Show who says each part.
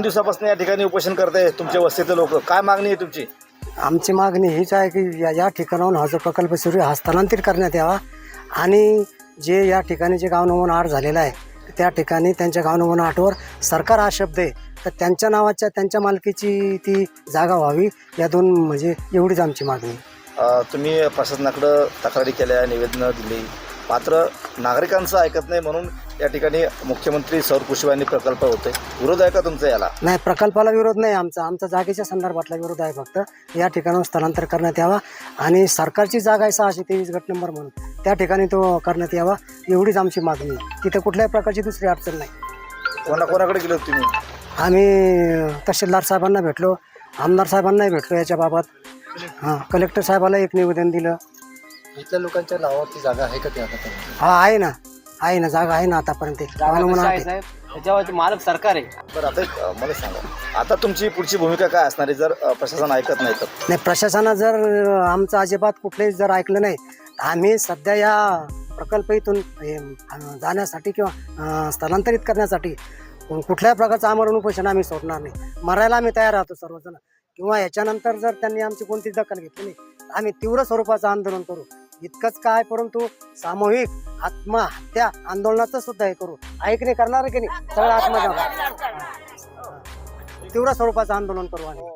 Speaker 1: दिवसापासून या ठिकाणी उपोषण करताय तुमच्या वस्तीतले लोक, काय मागणी आहे तुमची?
Speaker 2: आमची मागणी हीच आहे की या ठिकाणाहून हा जो प्रकल्प सुरू आहे हा स्थलांतरित करण्यात यावा आणि जे या ठिकाणी जे गाव नमुना 8 झालेला आहे त्या ठिकाणी त्यांच्या गाव नमुना 8वर सरकार हा शब्द आहे तर त्यांच्या नावाच्या त्यांच्या मालकीची ती जागा व्हावी, या दोन म्हणजे एवढीच आमची मागणी.
Speaker 1: तुम्ही प्रशासनाकडे तक्रारी केल्या, निवेदनं दिली, मात्र नागरिकांचं ऐकत नाही म्हणून या ठिकाणी मुख्यमंत्री सौर कृषी वाहिनी प्रकल्प होते. विरोध आहे का तुमचा याला?
Speaker 2: नाही, प्रकल्पाला विरोध नाही आमचा जागेच्या संदर्भातला विरोध आहे. फक्त या ठिकाणाहून स्थलांतर करण्यात यावा आणि सरकारची जागा आहे 623 गट नंबर म्हणून त्या ठिकाणी तो करण्यात यावा, एवढीच आमची मागणी आहे. तिथं कुठल्याही प्रकारची दुसरी अडचण नाही.
Speaker 1: कोणाकोणाकडे गेलो तुम्ही?
Speaker 2: आम्ही तहसीलदार साहेबांना भेटलो, आमदार साहेबांनाही भेटलो याच्या बाबत. कलेक्टर साहेबाला एक निवेदन दिलं.
Speaker 3: इथल्या लोकांच्या नावावरती जागा आहे का ते आता?
Speaker 2: आहे ना जागा आहे ना आतापर्यंत.
Speaker 4: त्याच्यावरती मालक सरकार आहे.
Speaker 1: बरं, आता मला सांगा, आता तुमची पुढची भूमिका काय असणार आहे जर प्रशासन ऐकत नाही तर?
Speaker 2: नाही, प्रशासनानं जर आमचं अजिबात कुठलंही जर ऐकलं नाही आम्ही सध्या या प्रकल्प इथून जाण्यासाठी किंवा स्थलांतरित करण्यासाठी कुठल्याही प्रकारचं आमरण उपोषण आम्ही सोडणार नाही. मरायला आम्ही तयार राहतो सर्वजण, किंवा याच्यानंतर जर त्यांनी आमची कोणतीच दखल घेतली नाही आम्ही तीव्र स्वरूपाचं आंदोलन करू. इतकंच काय, परंतु सामूहिक आत्महत्या आंदोलनाचं सुद्धा हे करू. ऐकणे करणार की नाही, सगळं आत्महत्या तीव्र स्वरूपाचं आंदोलन करू आम्ही.